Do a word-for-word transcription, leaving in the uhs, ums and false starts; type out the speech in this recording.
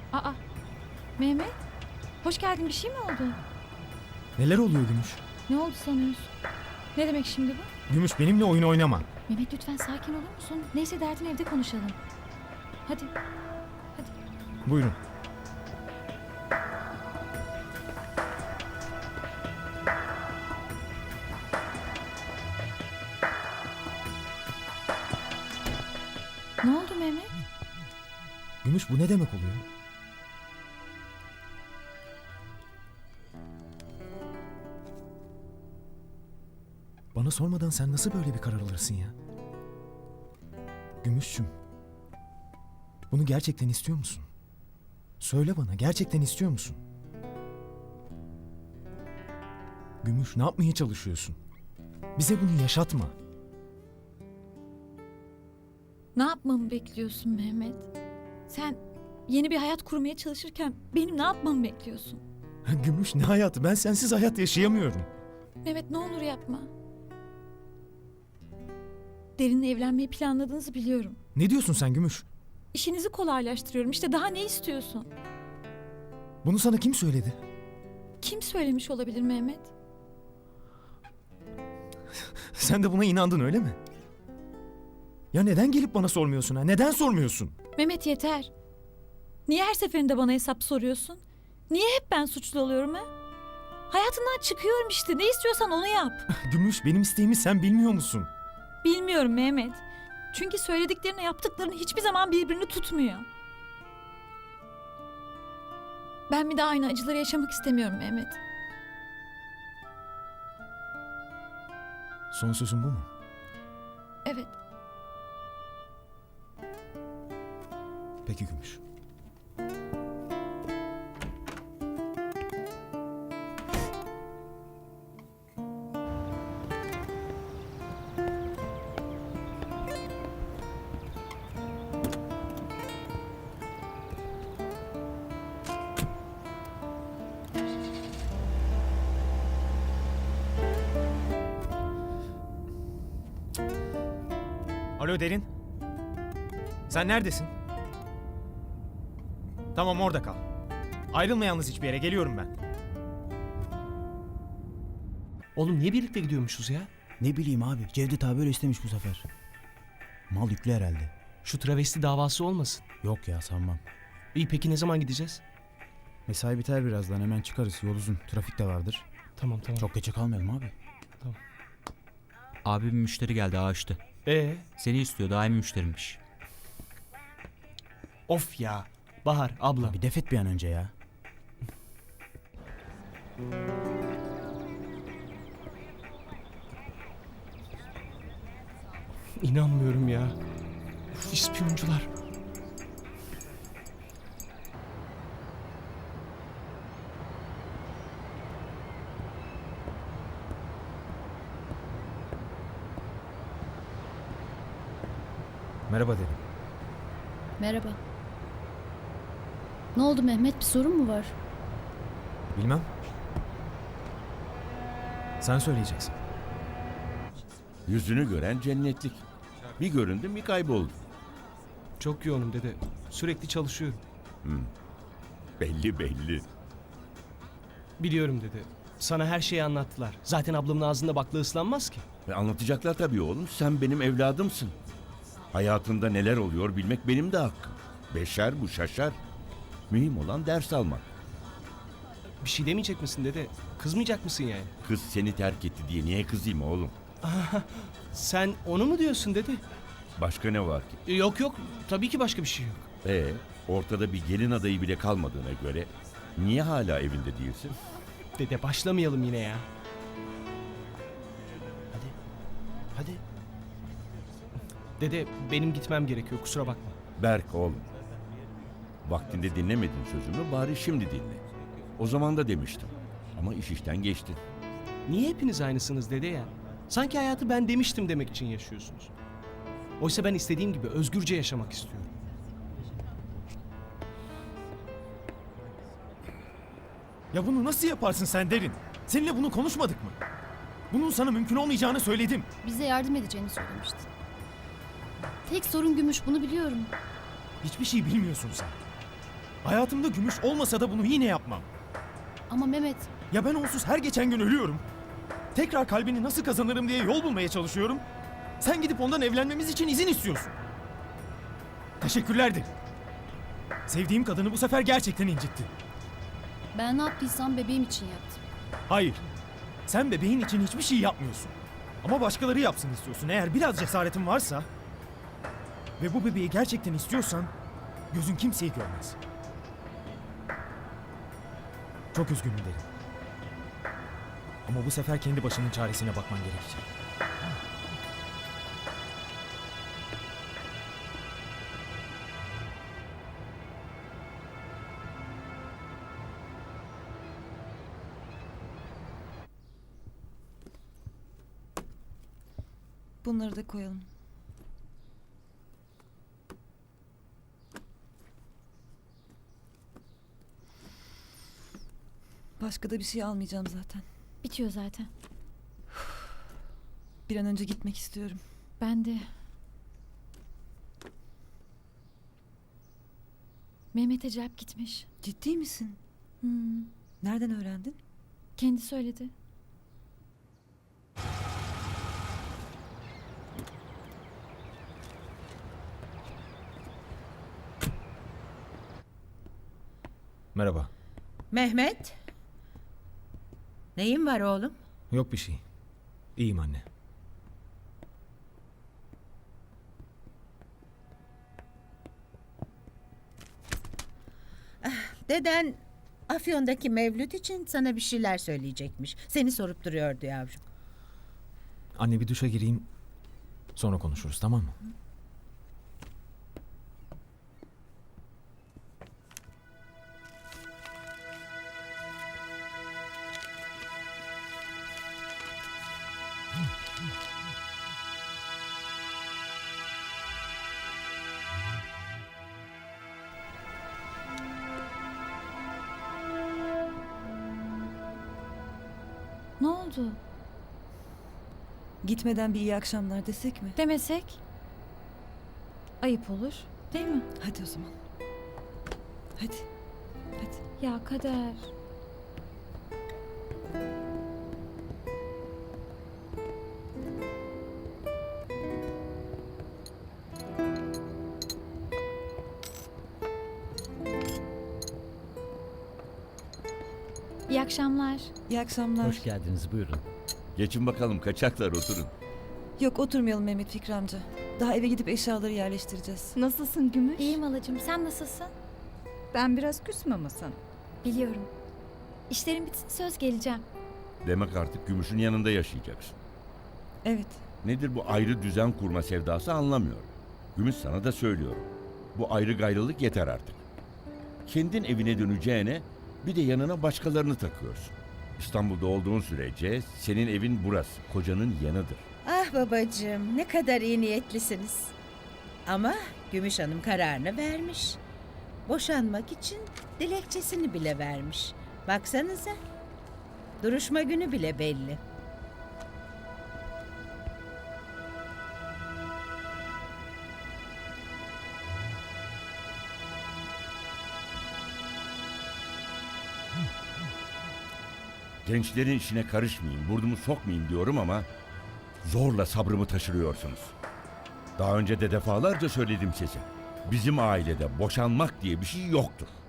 Aa, Mehmet. Hoş geldin. Bir şey mi oldu? Neler oluyor Gümüş? Ne oldu sanıyorsun? Ne demek şimdi bu? Gümüş benimle oyun oynama. Mehmet lütfen sakin olur musun? Neyse derdini evde konuşalım. Hadi. Hadi. Buyurun. Ne oldu Mehmet? Gümüş bu ne demek oluyor? Bana sormadan sen nasıl böyle bir karar alırsın ya? Gümüşçüm. Bunu gerçekten istiyor musun? Söyle bana, gerçekten istiyor musun? Gümüş, ne yapmaya çalışıyorsun? Bize bunu yaşatma. Ne yapmamı bekliyorsun Mehmet? Sen yeni bir hayat kurmaya çalışırken benim ne yapmamı bekliyorsun? Gümüş, ne hayatı? Ben sensiz hayat yaşayamıyorum. Mehmet ne olur yapma. Derin'le evlenmeyi planladığınızı biliyorum. Ne diyorsun sen Gümüş? İşinizi kolaylaştırıyorum. İşte daha ne istiyorsun? Bunu sana kim söyledi? Kim söylemiş olabilir Mehmet? Sen de buna inandın öyle mi? Ya neden gelip bana sormuyorsun ha? Neden sormuyorsun? Mehmet yeter. Niye her seferinde bana hesap soruyorsun? Niye hep ben suçlu oluyorum ha? Hayatından çıkıyorum işte. Ne istiyorsan onu yap. Gümüş, benim isteğimi sen bilmiyor musun? Bilmiyorum Mehmet. Çünkü söylediklerinle yaptıkların hiçbir zaman birbirini tutmuyor. Ben bir daha aynı acıları yaşamak istemiyorum Mehmet. Son sözün bu mu? Evet. Peki Gümüş. Alo Derin. Sen neredesin? Tamam, orada kal. Ayrılma yalnız hiçbir yere. Geliyorum ben. Oğlum niye birlikte gidiyormuşuz ya? Ne bileyim abi. Cevdet abi öyle istemiş bu sefer. Mal yüklü herhalde. Şu travesti davası olmasın. Yok ya, sanmam. İyi, peki ne zaman gideceğiz? Mesai biter birazdan, hemen çıkarız. Yol uzun. Trafik de vardır. Tamam tamam. Çok geçe kalmayalım abi. Abi bir müşteri geldi ağaçta. Ee, Seni istiyor, daimi müşterimmiş. of ya. Bahar abla. Bir defet bir an önce ya. İnanmıyorum ya. Uf, ispiyoncular. Merhaba Derin. Merhaba. Ne oldu Mehmet? Bir sorun mu var? Bilmem. Sen söyleyeceksin. Yüzünü gören cennetlik. Bir göründüm bir kayboldu. Çok yoğunum dede. Sürekli çalışıyorum. Belli belli. Biliyorum dede. Sana her şeyi anlattılar. Zaten ablamın ağzında bakla ıslanmaz ki. Ve anlatacaklar tabii oğlum. Sen benim evladımsın. Hayatında neler oluyor bilmek benim de hakkım. Beşer bu şaşar. Mühim olan ders almak. Bir şey demeyecek misin dede? Kızmayacak mısın yani? Kız seni terk etti diye niye kızayım oğlum? Sen onu mu diyorsun dede? Başka ne var ki? E, Yok yok. Tabii ki başka bir şey yok. Ee, ortada bir gelin adayı bile kalmadığına göre niye hala evinde değilsin? Dede başlamayalım yine ya. Hadi. Hadi. Dede benim gitmem gerekiyor, kusura bakma. Berk oğlum. Vaktinde dinlemedin sözümü, bari şimdi dinle. O zaman da demiştim. Ama iş işten geçti. Niye hepiniz aynısınız dede ya? Sanki hayatı ben demiştim demek için yaşıyorsunuz. Oysa ben istediğim gibi özgürce yaşamak istiyorum. Ya bunu nasıl yaparsın sen Derin? Seninle bunu konuşmadık mı? Bunun sana mümkün olmayacağını söyledim. Bize yardım edeceğini söylemiştin. Tek sorun Gümüş, bunu biliyorum. Hiçbir şey bilmiyorsun sen. Hayatımda Gümüş olmasa da bunu yine yapmam. Ama Mehmet, Ya ben onsuz her geçen gün ölüyorum. Tekrar kalbini nasıl kazanırım diye yol bulmaya çalışıyorum. Sen gidip ondan evlenmemiz için izin istiyorsun. Teşekkürler Derin. Sevdiğim kadını bu sefer gerçekten incittin. ben ne yaptıysam bebeğim için yaptım. Hayır. Sen bebeğin için hiçbir şey yapmıyorsun. Ama başkaları yapsın istiyorsun. Eğer biraz cesaretin varsa ve bu bebeği gerçekten istiyorsan gözün kimseyi görmez. Çok üzgünüm Derin. Ama bu sefer kendi başının çaresine bakman gerekecek. Bunları da koyalım. Başka da bir şey almayacağım zaten. Bitiyor zaten. Bir an önce gitmek istiyorum. Ben de. Mehmet Acayip gitmiş. Ciddi misin? Hmm, Nereden öğrendin? kendi söyledi. Merhaba. Mehmet. Neyin var oğlum? Yok bir şey. İyiyim anne. Deden Afyon'daki mevlüt için sana bir şeyler söyleyecekmiş. Seni sorup duruyordu yavrum. Anne bir duşa gireyim. Sonra konuşuruz, tamam mı? Ne oldu? Gitmeden bir iyi akşamlar desek mi? Demesek? Ayıp olur. Değil mi? Hadi o zaman. Hadi. Hadi. Ya Kader. İyi akşamlar. İyi akşamlar. Hoş geldiniz, buyurun. Geçin bakalım kaçaklar oturun. Yok oturmayalım Mehmet Fikri amca. Daha eve gidip eşyaları yerleştireceğiz. Nasılsın Gümüş? İyiyim halacığım. Sen nasılsın? Ben biraz küsüm ama sana. Biliyorum. İşlerim bitsin söz geleceğim. Demek artık Gümüş'ün yanında yaşayacaksın. Evet. Nedir bu ayrı düzen kurma sevdası anlamıyorum. Gümüş sana da söylüyorum. Bu ayrı gayrılık yeter artık. Kendin evine döneceğine bir de yanına başkalarını takıyorsun. İstanbul'da olduğun sürece senin evin burası, kocanın yanıdır. Ah babacığım, ne kadar iyi niyetlisiniz. Ama Gümüş Hanım kararını vermiş. Boşanmak için dilekçesini bile vermiş. Baksanıza. Duruşma günü bile belli. Gençlerin işine karışmayayım, burnumu sokmayayım diyorum ama zorla sabrımı taşırıyorsunuz. Daha önce de defalarca söyledim size. Bizim ailede boşanmak diye bir şey yoktur.